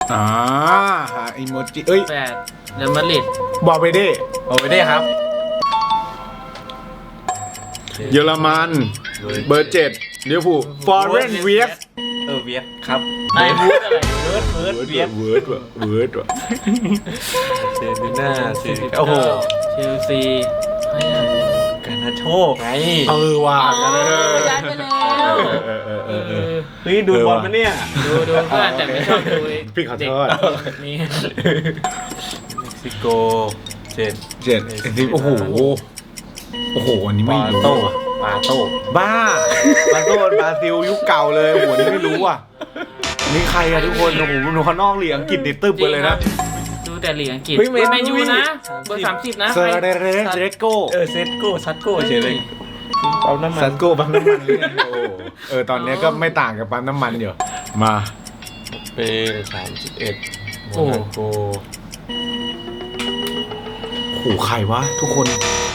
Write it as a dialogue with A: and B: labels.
A: หาอีโมจิเอ้ย
B: 8เรอัลมาดริด
A: บอลเวเด้
C: ครับ
A: เยอรมันเบอร์7ลิเวอร์พูลฟอเรนเวียส
C: เวียดครับ
B: ไอ้วูดอะไร
C: เวียด
A: เวิร์ดว่ะ
C: เซบีน่าโอ้โห
B: เชลซี
C: กันนาโชไง
A: ว่ะ
B: ย้ายไปแล้ว
C: เฮ้ยดูบอลมาเนี่ย
B: ดูเพื่อนแต่ไม่ชอบดู
A: พี่ขอโทษ
B: นี่
C: เม็กซิโก
A: 7โอ้โหอันนี้ไม่รู้
C: ปาโต้
A: บ้าบาซิลยุคเก่าเลยโอ้โหนี่ไม่รู้อ่ะนี่ใครอะทุกคนโอ้โหหนูเขานอกเหลียงกินติดตึ๊บไปเลยนะ
B: ดูแต่เหลียงอังกฤษไม่ยูนะเบอร์30นะ
A: เซเรโก
C: ซัตโก้เฉยเลยปั๊มน้ำมัน
A: ซัตโก้ปั๊มน้ำมันตอนนี้ก็ไม่ต่างกับปั๊มน้ำมันอยู่มา
C: เป31โมนาโก
A: โอ้โหใครวะทุกคน